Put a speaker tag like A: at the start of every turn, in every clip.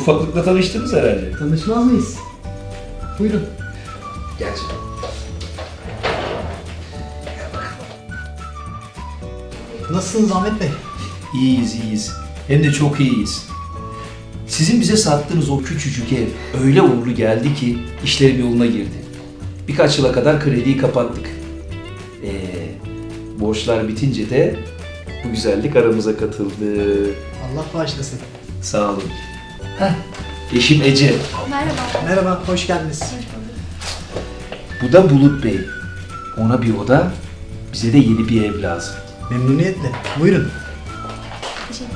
A: ufaklıkla tanıştınız herhalde.
B: Tanışmaz mıyız? Buyurun.
A: Gel canım.
B: Nasılsınız Ahmet Bey?
A: İyiyiz, iyiyiz. Hem de çok iyiyiz. Sizin bize sattığınız o küçücük ev öyle uğurlu geldi ki işlerim yoluna girdi. Birkaç yıla kadar krediyi kapattık. Borçlar bitince de bu güzellik aramıza katıldı.
B: Allah bağışlasın.
A: Sağ olun. Heh, eşim Ece.
C: Merhaba.
B: Merhaba, hoş geldiniz.
A: Bu da Bulut Bey. Ona bir oda, bize de yeni bir ev lazım.
B: Memnuniyetle. Buyurun.
C: Teşekkür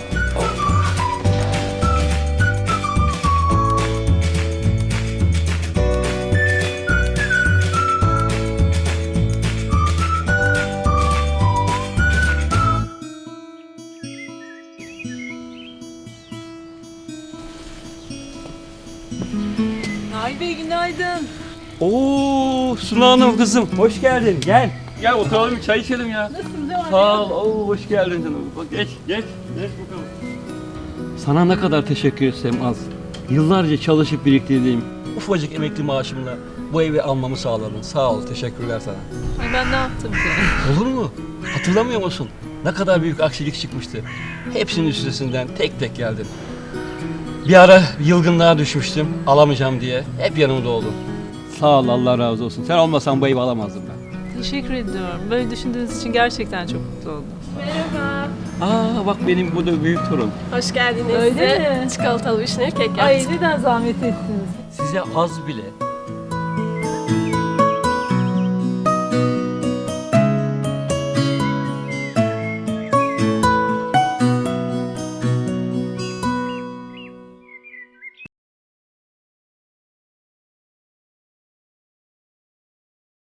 D: Nail Bey günaydın. Oo Suna Hanım kızım hoş geldin gel. Gel oturalım bir çay içelim ya.
C: Nasılsınız? Devam
D: Sağ ol. Oo, hoş geldin canım. Bak geç bakalım. Sana ne kadar teşekkür etsem az. Yıllarca çalışıp biriktirdiğim ufacık emekli maaşımla bu evi almamı sağladın. Sağ ol, teşekkürler sana.
E: Ay ben ne yaptım ki?
D: Olur mu? Hatırlamıyor musun? Ne kadar büyük aksilik çıkmıştı. Hepsinin üstesinden tek tek geldin. Bir ara yılgınlığa düşmüştüm, alamayacağım diye. Hep yanımda oldun. Sağ ol, Allah razı olsun. Sen olmasan bu evi alamazdım ben.
E: Teşekkür ediyorum. Böyle düşündüğünüz için gerçekten çok mutlu oldum.
C: Merhaba.
D: Aa bak benim bu da büyük torun.
C: Hoş geldiniz.
E: Öyle
C: Size
E: mi?
C: çikolatalı vişneli kek
E: Ay
C: yaptım.
E: neden zahmet ettiniz?
D: Size az bile